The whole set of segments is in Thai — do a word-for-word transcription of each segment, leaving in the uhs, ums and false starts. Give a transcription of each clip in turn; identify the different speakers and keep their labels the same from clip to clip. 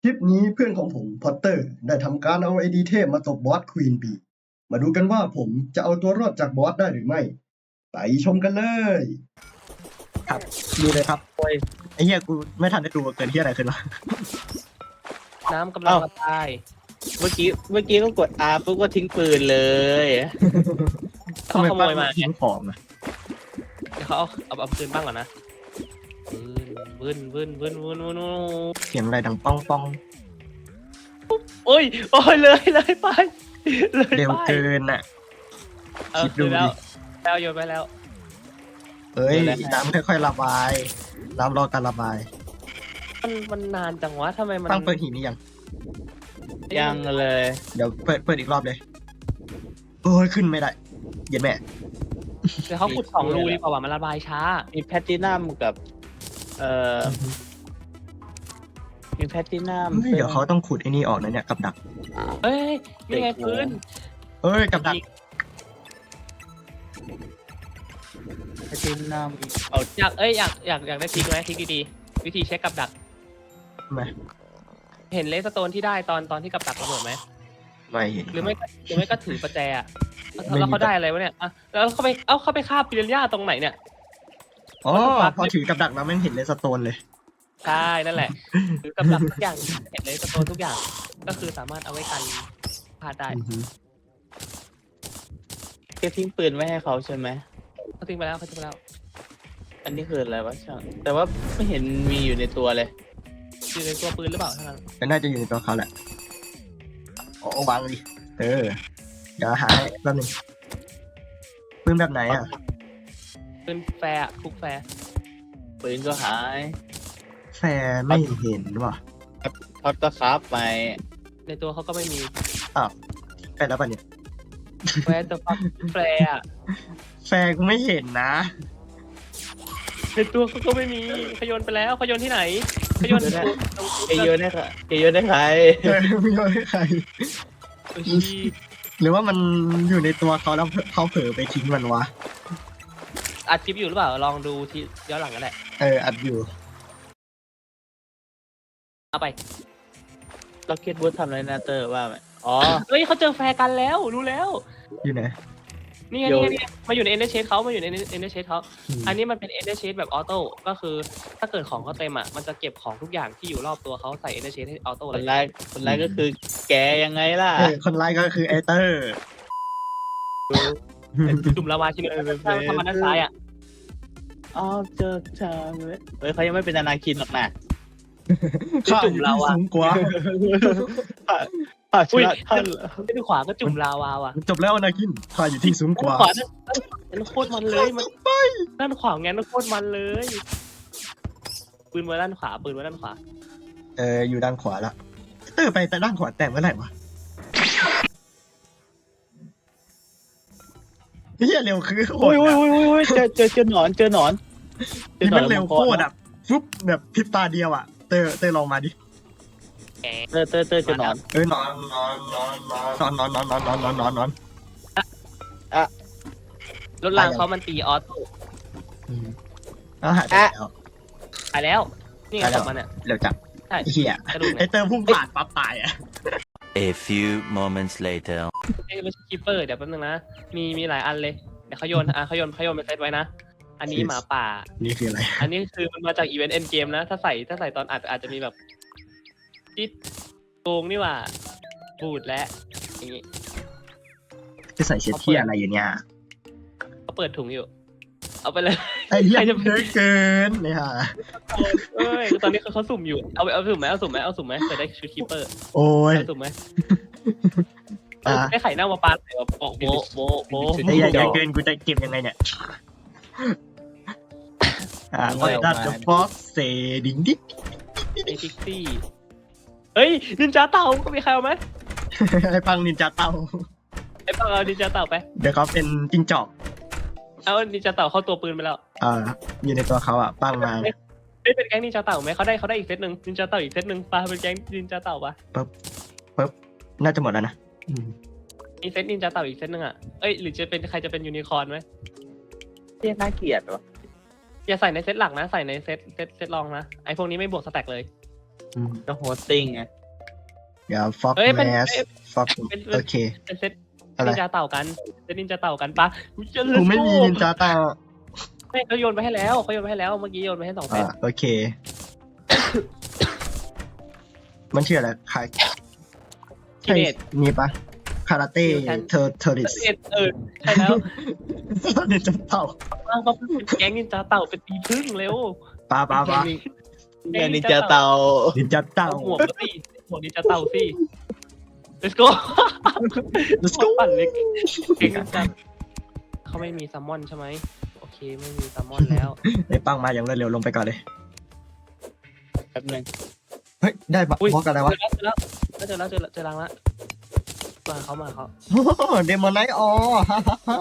Speaker 1: คลิปนี้เพื่อนของผมพอตเตอร์ได้ทำการเอาไอดีเทพมาตบบอสควีนบีมาดูกันว่าผมจะเอาตัวรอดจากบอสได้หรือไม่ไปชมกันเลยครับดูเลยครับโอ้ยไอ้เหี้ยกูไม่ทันได้ดูเกิดที่อะไรขึ้นวะ
Speaker 2: น้ำกำลังระบาย
Speaker 3: เมื่อกี้เมื่อกี้ก็กด R ปุ๊บก็ทิ้งปืนเลย
Speaker 2: เขาขโมยมา
Speaker 1: ทิ้งของอะ
Speaker 2: เดี๋ยวเขาเอาเอาเอาปืนบ้างก่อนนะวืนวืนวืนวืนวืนวืน
Speaker 1: เสียงอะไรดังป้องป้อง
Speaker 2: โอ้ยโอ้ยเลยเลยไปเลย
Speaker 1: เร็ว
Speaker 2: ไป
Speaker 1: เกินอ่ะ
Speaker 2: เออ
Speaker 1: คิดดู
Speaker 2: คือแล้ว
Speaker 1: ดิ
Speaker 2: แล้วโยนไปแล้ว
Speaker 1: เอ้ยน้ำค่อยๆระบายน้ำรอการระบาย
Speaker 2: มันมันนานจังวะทำไมมัน
Speaker 1: ตั้งเปิดหินนี่ยัง
Speaker 3: ยังเลย
Speaker 1: เดี๋ยวเปิดเปิดอีกรอบเลยโอ้ยขึ้นไม่ได้เย็นแม่
Speaker 2: เดี๋ยวเขาขุดสองรูดีกว่าว่ะมันระบายช้า
Speaker 3: มีแพตตินัมกับ เอ่อมีแพตตินัม
Speaker 1: เฮ้ยเดี๋ยวเขาต้องขุดไอ้นี่ออกนะเนี่ยกับดัก
Speaker 2: เอ้ยนี่ไงปืน
Speaker 1: เอ้ยกับดัก
Speaker 3: แพตตินัมเอา
Speaker 2: อยากเอ้ยอยากอยากอยากได้ทริกไหมทริกดีๆวิธีเช็คกับดัก
Speaker 1: ทำไม
Speaker 2: เห็นเลสโตนที่ได้ตอนตอนที่กับดักระเบิดไหม
Speaker 1: ไม่เห็น
Speaker 2: หรือไม่ก็หรือไม่ก็ถือประแจอะ
Speaker 1: ไม่มี
Speaker 2: แล้วเขาได้อะไรวะเนี่ยอ่ะแล้วเขาไปเอ้าเขาไปฆ่าปิเรนย่าตรงไหนเนี่ย
Speaker 1: อ๋อพอถือกับดักแล้วไม่เห็นเลสโตนเลย
Speaker 2: ใช่นั่นแหละถือกับดักทุกอย่างเห็นเลสโตนทุกอย่าง ก็คือสามารถเอาไว้กันพลาดได้
Speaker 1: อือฮึ
Speaker 3: แกทิ้งปืนไว้ให้เขาใช่ไหม
Speaker 2: เขาทิ้งไปแล้วเขาทิ้งไปแล้ว
Speaker 3: อันนี้คืออะไรวะช่างแต่ว่าไม่เห็นมีอยู่ในตัวเลย
Speaker 2: อยู่ในตัวปืนหรือเปล่าเท่านั้น
Speaker 1: แต่น่าจะอยู่ในตัวเขาแหละโอ้วางดิเออเดี๋ยวหาให้แป๊บนึงปืนแบบไหนอ่ะ
Speaker 2: ปืนแฟร์อะทุกแฟร์
Speaker 3: ปืนก็หาย
Speaker 1: แฟร์ไม่เห็นว่ะ
Speaker 3: ท็อตก็คราฟไป
Speaker 2: ในตัวเขาก็ไม่มี
Speaker 1: อ้าวไปแล้วป่ะเนี่ย
Speaker 2: แฟร์ตัวฟักแฟร์อะ
Speaker 1: แฟร์กูไม่เห็นนะ
Speaker 2: ในตัวเขาก็ไม่มีเขาโยนไปแล้วเขาโยนที่ไหนเขาโยนตรงตรง
Speaker 3: เกโยนได้ค่ะเกโยนได้ใคร
Speaker 1: เออไม่รู้ให้ใคร
Speaker 2: ซูชิ
Speaker 1: หรือว่ามันอยู่ในตัวเขาแล้วเขาเผลอไปทิ้งมันวะ
Speaker 2: อัดคลิปอยู่หรือเปล่าลองดูที่ย้อนหลังกันแหละ
Speaker 1: เอออัดอยู่
Speaker 2: เอาไป
Speaker 3: ล็อกเก็ตบูธทำอะไรนะเตอร์ว่าไหมอ๋อ
Speaker 2: เฮ้ยเขาเจอแฟร์กันแล้วรู้แล้ว
Speaker 1: อยู่ไหน
Speaker 2: นี่ไง
Speaker 3: โย
Speaker 2: นี่
Speaker 3: น
Speaker 2: ไงนี่ไงมาอยู่ในเอ็นเดอร์เชดเขามาอยู่ในเอ็นเดอร์เชดเขา
Speaker 1: อืม
Speaker 2: อันนี้มันเป็นเอ็นเดอร์เชดแบบออโต้ก็คือถ้าเกิดของเขาเต็มอ่ะมันจะเก็บของทุกอย่างที่อยู่รอบตัวเขาใส่เอ็นเดอร์เชดให้ออโต้
Speaker 3: ค
Speaker 2: เล
Speaker 3: น
Speaker 2: ย
Speaker 3: ร้ายคนร้ายก็คือแกยังไงล่ะ
Speaker 1: เออคนร้ายก็คือไอเตอร์
Speaker 2: จุ่มลาวาชิ้นนี้ถ้าทำมาด้านซ้ายอ่ะ
Speaker 3: อ๋อเจอเธอเฮ้ยเขายังไม่เป็นอนาคินหรอกนะ
Speaker 1: ข้าอยู่ที่สูงกว่า
Speaker 3: ผ่าช
Speaker 2: อุ้ย
Speaker 3: นะท่านเหรอ
Speaker 2: ด้านขวาก็จุ่มลาวาว่ะ
Speaker 1: จบแล้วนะกินข้าอยู่ที่สูงก
Speaker 2: ด้าน
Speaker 1: ว่า
Speaker 2: ขวาด้านด้านโคตรมันเลยมันด้านขวางั้นโคตรมันเลยปืนไว้ด้านขวาปืนไว้ด้านขวา
Speaker 1: เอออยู่ด้านขวาละเตอร์ไปแต่ด้านขวาแต่เมื่อไหร่วะเฮียเร็วคือโค
Speaker 3: โอ้ย
Speaker 1: ตร
Speaker 3: โอ้ย
Speaker 1: อะ
Speaker 3: โอ้ยโอ้ยเจอเจอเจอหนอนเจอหนอนเจอ
Speaker 1: นี่
Speaker 3: หนอ
Speaker 1: มัน นเร็ว
Speaker 3: มังก
Speaker 1: โคตรอ่ะฟึบแบบพริบตาเดียวอ่ะเตอร์เตอร์ลองมาดิ
Speaker 2: แก
Speaker 3: เตอร์เตอร์เตอร์เจอหนอน
Speaker 1: เอ้ยนอนนอนนอนนอนนอนนอนนอนนอนนอนนอนนอน
Speaker 2: รถรางเขามันตีออโต้
Speaker 1: อืมแล้วหายไปแล้ว
Speaker 2: ตายแล้วนี่ไง
Speaker 1: ตายแล้
Speaker 2: ศ
Speaker 1: ว
Speaker 2: พมันเนี่ย
Speaker 1: เร็วจับ
Speaker 2: ใช่
Speaker 1: ไอ้เหี้ย
Speaker 2: กระดูก
Speaker 1: ไอ
Speaker 2: เนี่ย
Speaker 1: เตอร์พุ่งผ่านปั๊บตายอ่ะ
Speaker 4: A few moments later.
Speaker 2: ไม่ใช่คีเปอร์เดี๋ยวแป๊บนึงนะมีมีหลายอันเลยเดี๋ยวเขาโยนอ่ะเขาโยนเขาโยนไปเซตไว้นะอันนี้หมาป่า
Speaker 1: นี่คืออะไร
Speaker 2: อันนี้คือมันมาจากอีเวนต์เอ็นเกมนะ ถ้าใส่ถ้าใส่ตอนอัดอาจจะมีแบบจิตโกงนี่หว่าบูดและอย่างงี้
Speaker 1: จะใส่เช็ดที่อะไรอยู่เนี่ย
Speaker 2: เขาเปิดถุงอยู่ เอาไปเลย
Speaker 1: ไอ้เหี้ย
Speaker 2: ใครจะ
Speaker 1: เยอะเกินเนี่ยฮะ
Speaker 2: เอ้ยตอนนี้เขาเขาสุ่มอยู่เอาไปเอาสุ่มไหมเอาสุ่มไหมเอาสุ่มไหมจะได้ชุดคีเปอร์
Speaker 1: โอ้ย
Speaker 2: เอาสุ่มไหม
Speaker 1: อ่ะ
Speaker 2: ได้ไข่เน่ามาปาใส่แบบโบะโบะโบะโบะ
Speaker 1: ไอ้เหี้ยเยอะเกินกูจะเก็บยังไงเนี่ยอ่าว่าดัตเตอร์ฟ็อกเซดิงดิ
Speaker 2: ไอพิกซี่เฮ้ยนินจาเต่าก็มีใครเอาไหม
Speaker 1: ไอ้ปังนินจาเต่า
Speaker 2: ไอ้ปังเอานินจาเต่าไป
Speaker 1: เดี๋ยวเขาเป็นจิ้งจอก
Speaker 2: เอานินจาเต่าเข้าตัวปืนไปแล้ว
Speaker 1: อ่าอยู่ในตัวเขาอ่ะปังมา
Speaker 2: เฮ้ยเป็นแก๊งนินจาเต่าไหมเขาได้เขาได้อีกเซตหนึ่งนินจาเต่าอีกเซตหนึ่งปาเป็นแก๊งนินจาเต่าปะ
Speaker 1: น่าจะหมดแล้วนะอืม
Speaker 2: มีเซตนินจาเต่าอีกเซตหนึ่งอ่ะเอ้ยหรือจะเป็นใครจะเป็นยูนิคอร์นไหม
Speaker 3: เรียกน่าเกลียดวะ
Speaker 2: อย่าใส่ในเซตหลักนะใส่ในเซตเซตเซตรองนะไอพวกนี้ไม่บวกสแต็กเลย
Speaker 1: อืม
Speaker 3: ก็โฮสติ้งไง
Speaker 1: เดี๋ยวฟ็อก
Speaker 2: เอ้ยเป็น
Speaker 1: แมส
Speaker 2: เอ้ย
Speaker 1: ฟ็อก
Speaker 2: เป็น
Speaker 1: โอเค
Speaker 2: เป็นเซต
Speaker 1: อะไร
Speaker 2: นินจาเต่ากันเซตนินจาเต่ากันปะจะ
Speaker 1: กูไม่มีนินจาเต่า
Speaker 2: ไม่เขาโยนไปให้แล้วเขาโยนไปให้แล้วเมื่อกี้โยนไปให้สองเซ
Speaker 1: อ่า
Speaker 2: ต
Speaker 1: โอเค มันชื่ออะไรคา
Speaker 2: ที
Speaker 1: ใช่
Speaker 2: เนต
Speaker 1: นี่ปะคาราเต้
Speaker 2: ฉัน
Speaker 1: เทอร์เทอริส
Speaker 2: เอเออใช่แล้ว
Speaker 1: นินจาเต่า
Speaker 2: ว่างเขาเป็นแก๊งนินจาเต่าเป็นตีพึ่งเร็ว
Speaker 1: ปาปาปา
Speaker 3: เงินนินจาเตา
Speaker 1: นินจาเต่า
Speaker 2: เอาหัวมาสิหัวนินจาเต่าสิ let's go
Speaker 1: let's go
Speaker 2: ปั่นเล็กเก่งจังเขาไม่มีซัมมอนใช่ไหมโอเคไม่มีซัมมอนแล้ว
Speaker 1: ไอ้ปังมาอย่างรวดเร็วลงไปก่อนเลย
Speaker 3: แป๊บนึง
Speaker 1: เฮ้ย ได้บ
Speaker 2: อุ้ย
Speaker 1: ล็อกอะไรวะ
Speaker 2: เจอแล้วเจอแล้วเจอแล้วเจอรังละมาเขามาเขา
Speaker 1: โอ้เดมอนไนท์อ๋อฮ่าฮ่าฮ่า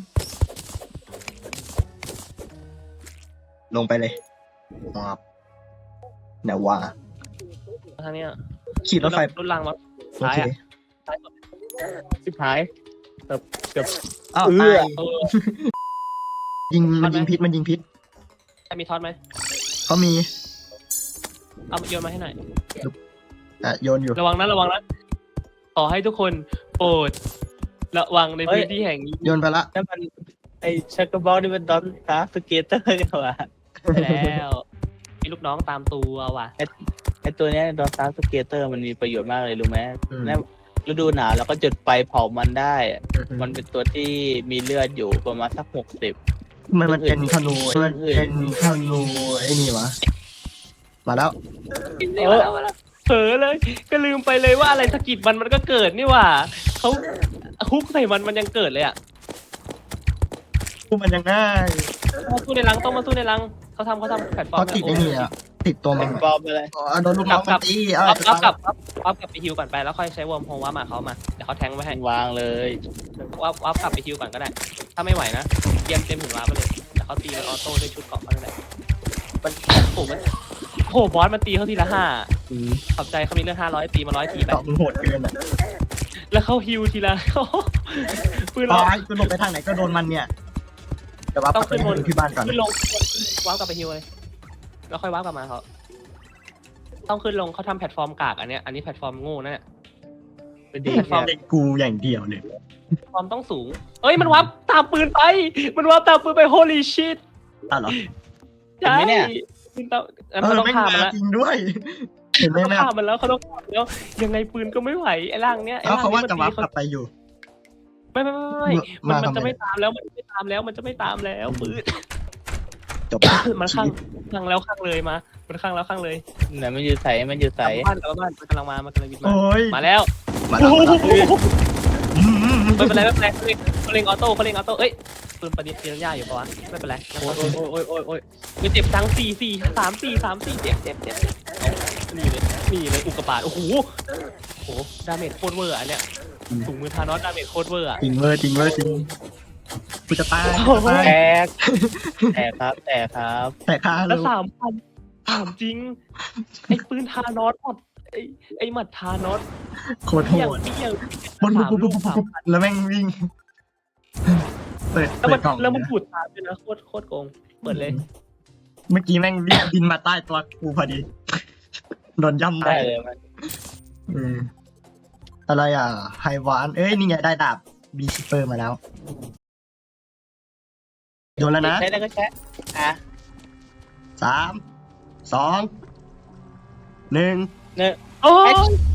Speaker 1: ลงไปเลยครับแนวว่า
Speaker 2: ทางเนี้ย
Speaker 1: ขี่รถไฟ
Speaker 2: รุ่นรังมา
Speaker 1: โอ
Speaker 2: ซ้าย
Speaker 1: เค
Speaker 2: อ่ะซ้ายสุด
Speaker 3: สิบหายเกือบเกือบ
Speaker 1: อ้าว
Speaker 3: เอ
Speaker 1: ตา
Speaker 3: อ
Speaker 1: ย
Speaker 2: เออ
Speaker 1: ยิงมัน
Speaker 2: ทันไหม
Speaker 1: ยิงพิษมันยิงพิษ
Speaker 2: ใครมีท็อตไหม
Speaker 1: เขามี
Speaker 2: เอาโยนมาให้หน่อย
Speaker 1: อ่ะโยนอยู่
Speaker 2: ระวังนะระวังนะขอให้ทุกคนโปรดระวังในพื้นที่แห่งนี้
Speaker 1: โยนไปละ
Speaker 3: นั่นมันไอชักกระบอกนี่มันดอนตาสเกตเตอร์เนี่ยวะ
Speaker 2: ไปแล้วมีลูกน้องตามตัวว่ะ
Speaker 3: ไอตัวเนี้ยดอนตาสเกตเตอร์มันมีประโยชน์มากเลยรู้ไหม
Speaker 1: อืม
Speaker 3: แล้วฤดูหนาวเราก็จุดไฟเผามันได้อะมันเป็นตัวที่มีเลือดอยู่ประมาณสักหกสิบ
Speaker 1: มันมันเป็นธนูมันเป็นธนูไอ้นี่วะ มาแล้ว
Speaker 2: เออเผลอเลย ก็ลืมไปเลยว่าอะไรสะกิดมันมันก็เกิดนี่หว่าเขาฮุกใส่มันมันยังเกิดเลยอ่ะ
Speaker 1: กูมันยังง่าย
Speaker 2: มาสู้ในรังต้องมาสู้ในรังเขาทำเขาทำแพลตฟอร์
Speaker 1: เขา
Speaker 2: ม
Speaker 1: ติดไอ้นี่อ่ะ ติดตัวมัน
Speaker 3: ปลอมไปเลย
Speaker 1: อ๋อโดนลูกน้องมันตีเออ
Speaker 2: อัพอัพกลับอัพอัพกลับไปฮิวก่อนไปแล้วค่อยใช้วอร์มโฮว่ามาเขามาเดี๋ยวเขาแทงไว้ให้
Speaker 3: วางเลย
Speaker 2: อัพอัพกลับไปฮิวก่อนก็ได้ ถ้าไม่ไหวนะเตรียมเต็มถึงวาร์ปไปเลยเดี๋ยวเขาตีมันออโต้ด้วยชุดเกราะเขาเลยมันโอ้มันโอ้บอสมันตีเขาทีละห้า
Speaker 1: อืม
Speaker 2: ขอบใจเขามีเรื่องห้าร้อยตีมาร้อยทีไป
Speaker 1: เกาะมันโหดเกินอ่ะ
Speaker 2: แล้วเขาฮิวทีละ ปืน
Speaker 1: อ๋อ
Speaker 2: เรา
Speaker 1: ไอ้กูหลบไปทางไหนก็โดนมันเนี่ยเดี๋ยวว่า
Speaker 2: ต้
Speaker 1: ปั
Speaker 2: อก ง
Speaker 1: ไป
Speaker 2: ขึ้นบน
Speaker 1: ดูที่บ้านก่อน
Speaker 2: ขึ้นลงวาร์ปกลับไปฮิวเลยแล้วค่อยวาร์ปกลับมาเขาต้องขึ้นลงเขาทำแพลตฟอร์มกากอันเนี้ยอันนี้แพลตฟอร์มโง่นะเนี่ย
Speaker 3: เป็นดี
Speaker 2: แพลตฟอร์ม
Speaker 1: เด็กกูอย่างเดียวเลย
Speaker 2: แพลตฟอร์มต้องสูงเอ้ยมันวาร์ปตามปืนไป มันวาร์ปตามปืนไป holy shit
Speaker 1: อ่ะเหรอ
Speaker 2: ใช่ปืนตามงั้น
Speaker 1: เอ
Speaker 2: เขา
Speaker 1: อ
Speaker 2: ต้อง
Speaker 1: ไม่
Speaker 2: ฆ่า
Speaker 1: มา
Speaker 2: มันแล้ว
Speaker 1: จริงด้วย เห็นไหม
Speaker 2: เขาต้อง
Speaker 1: แม่
Speaker 2: ฆ่ามันแล้วเขาต้องฆ่ามันแล้วยังไงปืนก็ไม่ไหวไอ้ร่างเนี้ยไอ้
Speaker 1: เอ้า
Speaker 2: ร่าง
Speaker 1: เขาว่า
Speaker 2: นี้
Speaker 1: จะ
Speaker 2: มัน
Speaker 1: วา
Speaker 2: ตี
Speaker 1: ร์ปกลับไปอยู่
Speaker 2: ไม่ไม่ไม่ไม่มัน
Speaker 1: มา
Speaker 2: มัน
Speaker 1: ทำไม
Speaker 2: จะไม่ตามแล้วมันจะไม่ตามแล้วมันจะไม่ตามแล้วปืน
Speaker 1: จบ
Speaker 2: มันข้างข้างแล้วข้างเลยมา มันข้างแล้วข้างเลย
Speaker 3: ไหนมันอยู่ใสมันอยู่ใส
Speaker 2: กลับบ้านกลับบ้านมันกำลังมามันกำลังบินมา
Speaker 1: โอ้ย
Speaker 2: มาแล้ว
Speaker 1: มาแล้วมาแล้วอืมอืมอืม
Speaker 2: ไม่เป็นไรไม่เป็นไรเขาเล่นเขาเล่นออโต้เขาเล่นออโต้เอ้ยปืนประดิษฐ์เทียนย่าอยู่ปะวะไม่เป็นไร
Speaker 3: โอ้ยโอ้ยโอ้ยโอ้ยโอ้ย
Speaker 2: มีเจ็บจังสี่สี่สามสี่สามสี่เจ็บเจ็บเจ็บนี่เลยนี่เลยอุกกาบาตโอ้โหโอ้โหดาเมจโคตรเวอร์อันเนี้ยถุงมือทานอสดาเมจโคตรเวอร์อะ
Speaker 1: จริงเวอร์จริงเวอร์จริงกูจะตาย
Speaker 2: โอ้โห
Speaker 3: แตกแตกครับแตกครับ
Speaker 1: แต่ค่า
Speaker 2: แล้
Speaker 1: เล
Speaker 2: วย สามพันถามจริงไอ้ปืนทานอสหมดไอ้ไอ้หมัดทานอส
Speaker 1: โคตรโห
Speaker 2: เที่ยง
Speaker 1: ด
Speaker 2: เที่ยง
Speaker 1: ปุ๊บ
Speaker 2: สาม
Speaker 1: ปุ๊บ
Speaker 2: ลู
Speaker 1: ปุ๊บ
Speaker 2: ก
Speaker 1: ปุ๊บ
Speaker 2: สาม
Speaker 1: ปุ๊บแล้วแม่งวิ่ง เปิด
Speaker 2: แล้ว
Speaker 1: เปิ
Speaker 2: มั
Speaker 1: ด
Speaker 2: น
Speaker 1: กล่อง
Speaker 2: แล้วมันปูดตามด้วยนะโคตรโคตรโกงเปิดเลย
Speaker 1: เมื่อกี้แม่งวิ่งบินมาใต้ตัวกูพอดี โดนย่ำไป
Speaker 3: ได้เลยมัน
Speaker 1: อืมอะไรอ่ะไฮวาน เอ้ย นี่ไงได้ดาบบีชิปเปอร์มาแล้ว โดนแล้วนะ
Speaker 3: ใช้ได้ก็ใช้อ่ะ
Speaker 1: สาม สอง หนึ่ง
Speaker 3: เนี่ย
Speaker 2: โอ้ย